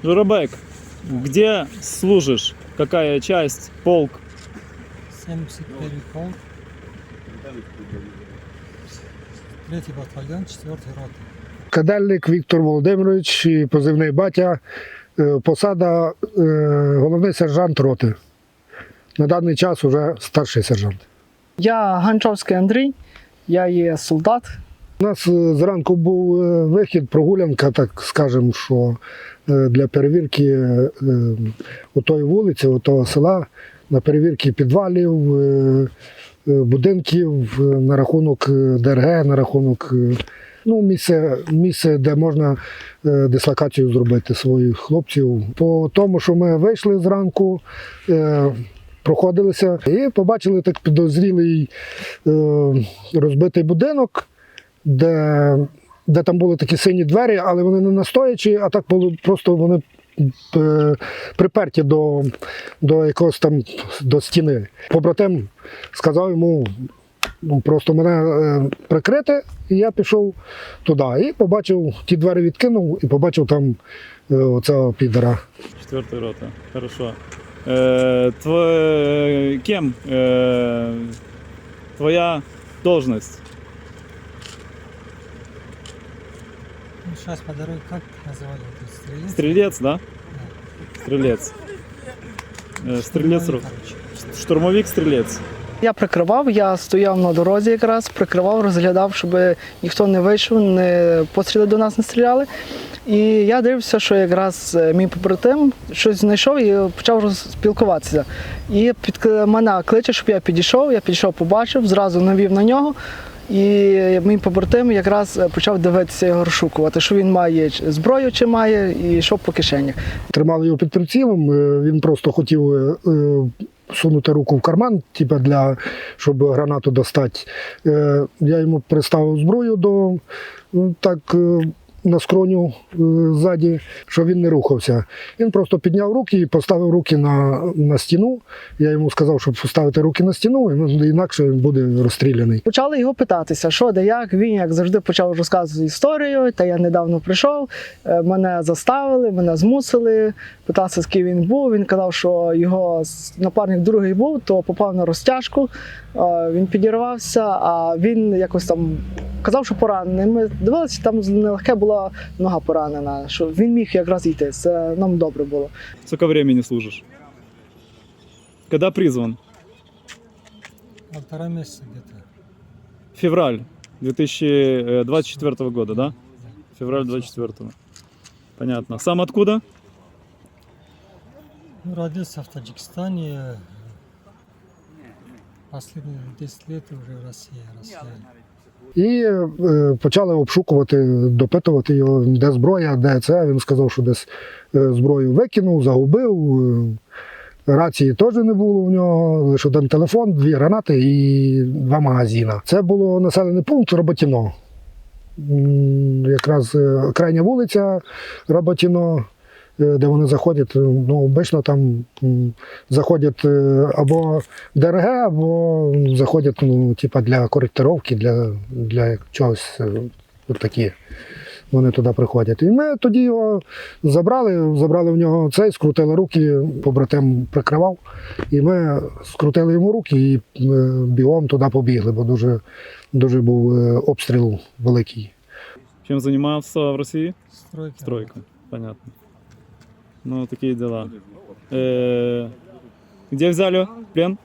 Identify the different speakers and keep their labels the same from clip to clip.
Speaker 1: Журабек, где служишь? Какая часть, полк?
Speaker 2: 71-й полк, 3-й батальйон, 4-й рота.
Speaker 3: Кадельник Віктор Володимирович, позивний батя, посада головний сержант роти. На даний час вже старший сержант.
Speaker 4: Я Ганчовський Андрій, я є солдат.
Speaker 3: У нас зранку був вихід, прогулянка, так скажемо, що для перевірки отої вулиці, отого села, на перевірки підвалів, будинків, на рахунок ДРГ, на рахунок місце, де можна дислокацію зробити своїх хлопців. По тому, що ми вийшли зранку, проходилися і побачили так підозрілий розбитий будинок, де там були такі сині двері, але вони не настоячі, а так було просто вони приперті до якогось там до стіни. Побратим сказав йому просто мене прикрити, і я пішов туди. І побачив, ті двері відкинув, і побачив там оцього підера.
Speaker 1: 4-я рота. Хорошо. Кем твоя должность?
Speaker 2: Ну, сейчас по дороге как называли? Стрелец?
Speaker 1: Стрелец, да? Стрелец. Стрелец. Штурмовик-стрелец.
Speaker 4: Я прикривав, я стояв на дорозі якраз, прикривав, розглядав, щоб ніхто не вийшов, постріли до нас не стріляли. І я дивився, що якраз мій побратим щось знайшов і почав спілкуватися. І мене кличе, щоб я підійшов, побачив, зразу навів на нього. І мій побратим якраз почав дивитися його розшукувати, що він має зброю чи має, і йшов по кишенях.
Speaker 3: Тримали його під прицілом, він просто хотів сунути руку в карман, щоб гранату достати. Я йому приставив зброю на скроню ззаді, щоб він не рухався. Він просто підняв руки і поставив руки на стіну. Я йому сказав, щоб поставити руки на стіну, інакше він буде розстріляний.
Speaker 4: Почали його питатися, що, де, як. Він, як завжди, почав розказувати історію, та я недавно прийшов, мене заставили, мене змусили, питався, з ким він був. Він казав, що його напарник другий був, то попав на розтяжку, він підірвався, а він якось там казав, що поранений. Ми дивилися, там нелегке була нога поранена, що він міг якраз йти, це нам добре було.
Speaker 1: Сколько времени служишь? Когда призван?
Speaker 2: 1,5 месяца где-то.
Speaker 1: Февраль 2024 года, да? Февраль 24. Понятно. Сам откуда?
Speaker 2: Ну, родился в Таджикистане, последние 10 лет уже в России.
Speaker 3: І почали обшукувати, допитувати його, де зброя, де це. Він сказав, що десь зброю викинув, загубив. Рації теж не було в нього, лише один телефон, 2 гранати і 2 магазини. Це було населений пункт Роботіно. Якраз крайня вулиця Роботіно, де вони заходять, обично там заходять або ДРГ, або заходять для коректировки, для чогось такі. Вони туди приходять. І ми тоді його забрали в нього цей, скрутили руки, побратим прикривав, і ми скрутили йому руки і бігом туди побігли, бо дуже був обстріл великий.
Speaker 1: Чем занимался в России?
Speaker 2: Стройка.
Speaker 1: Стройка, понятно. Ну, такие дела. Где взяли в плен?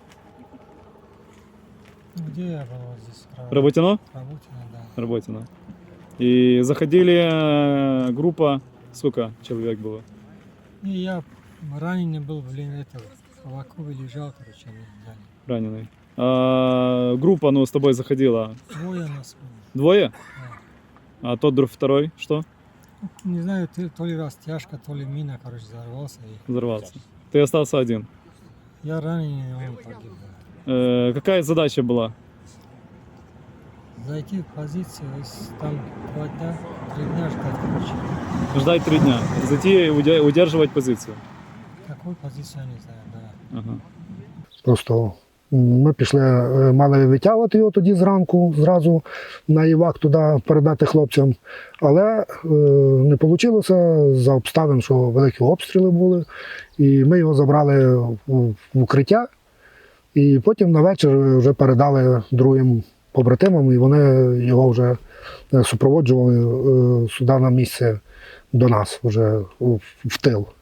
Speaker 2: Где я был здесь?
Speaker 1: Работино?
Speaker 2: Работино, да.
Speaker 1: Работино. И заходили группа, сколько человек было?
Speaker 2: И я раненый был, в Авакове лежал, они взяли.
Speaker 1: Раненый. Группа, с тобой заходила.
Speaker 2: 2 нас было.
Speaker 1: 2?
Speaker 2: Да.
Speaker 1: А тот второй что?
Speaker 2: Не знаю, то ли растяжка, то ли мина, взорвался.
Speaker 1: Взорвался. Ты остался один.
Speaker 2: Я раненый, он погиб.
Speaker 1: Какая задача была?
Speaker 2: Зайти в позицию, там 2 дня, 3 дня ждать,
Speaker 1: Ждать 3 дня. Зайти и удерживать позицию.
Speaker 2: Какую позицию, я не знаю, да.
Speaker 1: Ага.
Speaker 3: Просто Ми пішли, мали витягувати його тоді зранку, зразу на івак туди передати хлопцям. Але не вийшло за обставин, що великі обстріли були. І ми його забрали в укриття. І потім на вечір вже передали другим побратимам, і вони його вже супроводжували сюди на місце до нас, вже в тил.